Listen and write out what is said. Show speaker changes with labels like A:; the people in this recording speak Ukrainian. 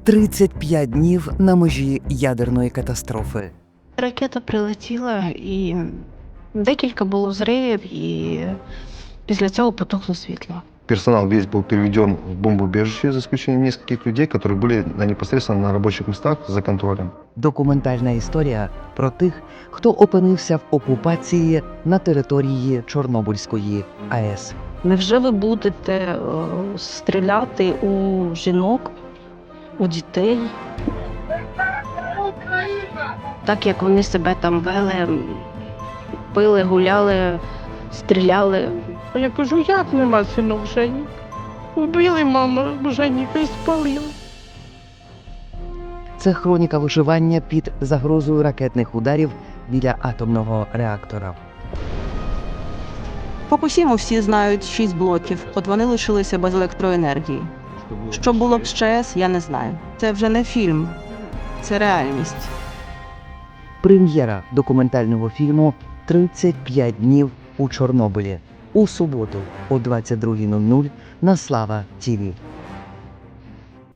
A: 35 днів на межі ядерної катастрофи.
B: Ракета прилетіла, і декілька було взривів, і після цього потухло світло.
C: Персонал весь был переведен в бомбоубежище, за исключением нескольких людей, которые были непосредственно на рабочих местах за контролем.
A: Документальна історія про тих, хто опинився в окупації на території Чорнобильської АЕС.
B: Невже ви будете стріляти у жінок, у дітей? Так як вони себе там вели, пили, гуляли, стріляли.
D: Я кажу, як нема синок Жені? Убили маму Женіка і спалили.
A: Це хроніка виживання під загрозою ракетних ударів біля атомного реактора.
E: По Фукусіму всі знають 6 блоків, от вони лишилися без електроенергії. Що було б з ЧАЕС, я не знаю. Це вже не фільм, це реальність.
A: Прем'єра документального фільму «35 днів у Чорнобилі» у суботу о 22:00 на Слава ТІВІ.